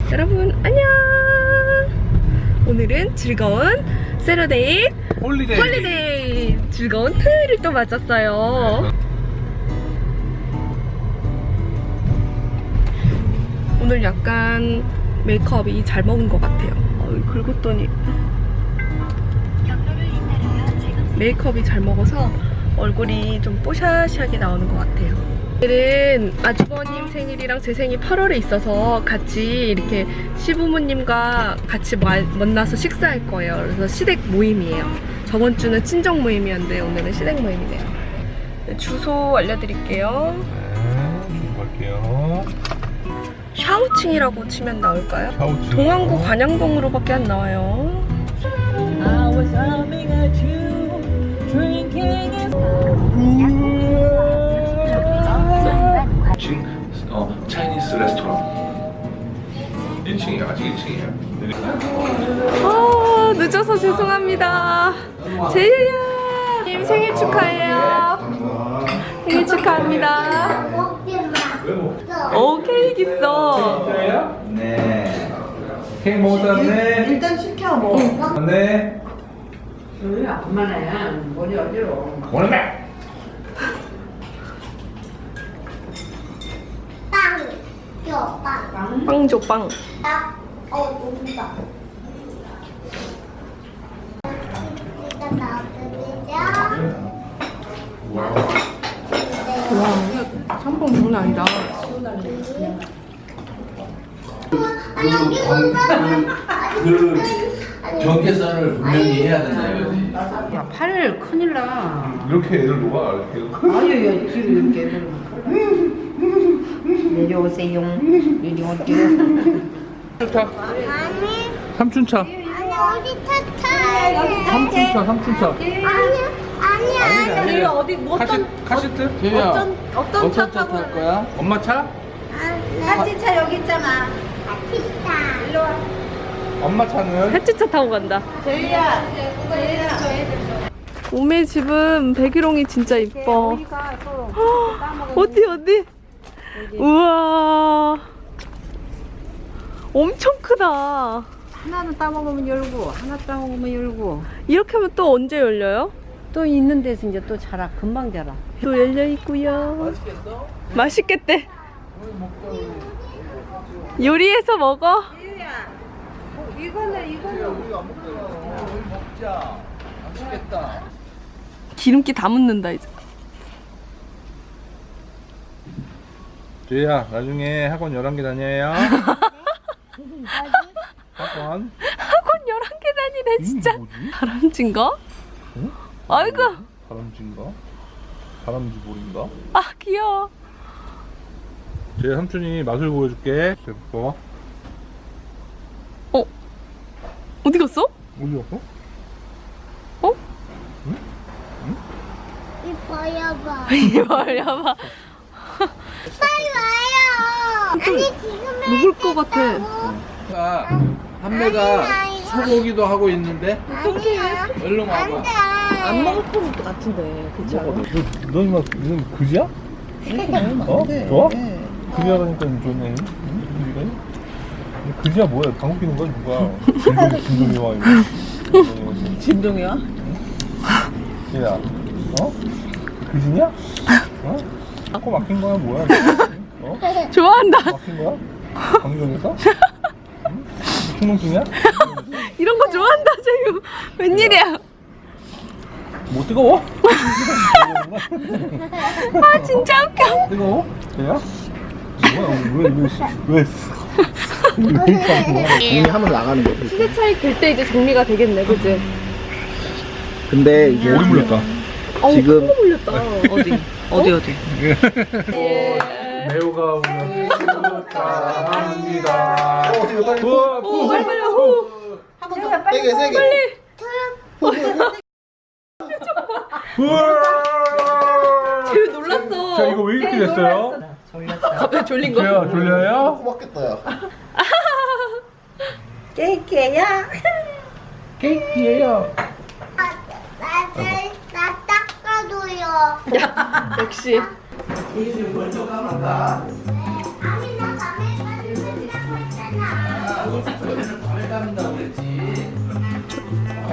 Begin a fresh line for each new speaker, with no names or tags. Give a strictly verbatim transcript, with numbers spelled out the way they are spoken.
여러분 안녕. 오늘은 즐거운 세러데이
홀리데이.
홀리데이 즐거운 토요일을 또 맞았어요. 오늘 약간 메이크업이 잘 먹은 것 같아요. 어, 긁었더니 메이크업이 잘 먹어서 얼굴이 좀 뽀샤시하게 나오는 것 같아요. 오늘은 아주버님 생일이랑 제 생일 팔월에 있어서 같이 이렇게 시부모님과 같이 마, 만나서 식사할 거예요. 그래서 시댁 모임이에요. 저번 주는 친정 모임이었는데 오늘은 시댁 모임이네요. 네, 주소 알려드릴게요.
네, 갈게요.
샤오칭이라고 치면 나올까요?
샤오칭.
동안구 관양동으로밖에 안 나와요.
I was humming a tune, drinking it.
일 층 어, 차이니스 레스토랑 일 층이에요. 아직 일 층이에요.
아, 늦어서 죄송합니다. 제이야 님 생일 축하해요. 생일 축하합니다. 오, 케이크 있어.
네. 케이크 먹었네.
일단 시켜 뭐.
네.
왜 엄마네 머리 어디로?
오늘
빵, 줘, 빵.
빵 줘, 빵.
딱, 어, 뭔가. 일단 나와드리자.
와, 삼봉 장난 아니다.
아, 여기 뭔가.
그 경계선을 분명히 해야 된다 이거지.
야, 팔 큰일 나.
이렇게 애들 녹아 이렇게.
아유, 야, 뒤로 이렇게. 내려오세요. 내려오세요.
아니,
삼촌차.
아니, 어디 차차.
삼촌차, 삼촌차.
아니, 아니, 아니.
아니.
어디 뭐
카시, 카시트? 제이야.
어떤 어떤 차 타고
탈 거야? 엄마 차?
같이
차 여기 있잖아.
같이 타. 일로 와.
엄마 차는?
햇지차 타고 간다.
제이야. 제이야.
오메 집은 백일홍이 진짜 이뻐. 어디 어디? 우와, 엄청 크다.
하나는 따먹으면 열고, 하나 따먹으면 열고.
이렇게 하면 또 언제 열려요?
또 있는 데서 이제 또 자라, 금방 자라.
또 열려 있고요.
맛있겠어?
맛있겠대. 요리해서 먹어.
이거는 이거는.
우리가 안 먹잖아. 우리 먹자. 맛있겠다.
기름기 다 묻는다 이제.
제이야, 나중에 학원 열한 개 다녀요. 학원?
학원 열한 개 다니네 진짜.
이게 뭐지?
다람쥐인가?
응?
아이고.
다람쥐인가? 다람쥐 볼인가?
아 귀여워.
제 삼촌이 맛을 보여줄게. 봐.
어? 어디 갔어?
어디 갔어?
어?
이 버려봐.
이리 와봐.
빨리 와요. 아니, 지금
먹을 것 같아.
가 한매가 소고기도 하고 있는데
아니야.
얼른 와봐.
안 돼.
안 먹을 것 같은데. 그렇지 않아?
너 이마 이건 그지야? 어? 좋아? 그지야라니까 좋네. 응? 그지야 뭐야? 방귀 뀌는 거야 누가? 진동 진동이 와 이거.
진동이야?
얘야, 어? 그지냐? 어? 코 막힌 거야 뭐야? 어?
좋아한다.
막힌 거야? 방귀에서? 응? 충동증이야?
이런 거 좋아한다 지금. 웬일이야?
뭐 뜨거워?
아 진짜 웃겨.
뜨거워? 얘야? 뭐야? 왜 왜 왜?
정리하면 나가는 거지.
시세 차익 될 때 이제 정리가 되겠네, 그치?
근데 이제
오리 물렸다.
어우,
지금-
큰거 물렸다.
어디? 어디 어디?
매우가 오면 축하합니다. 우와,
오, 빨리 빨리 호.
세게 세게.
우와.
쟤 놀랐어.
자, 이거 왜 이렇게 됐어요?
갑자기 졸린 거?
제가 졸려요?
고맙겠다 야.
케이크야.
케이크예요.
나를 나 닦아줘요.
야, 역시.
아니 나 밤에 가는 거 닦았잖아.
밤에 감는다고 그랬지.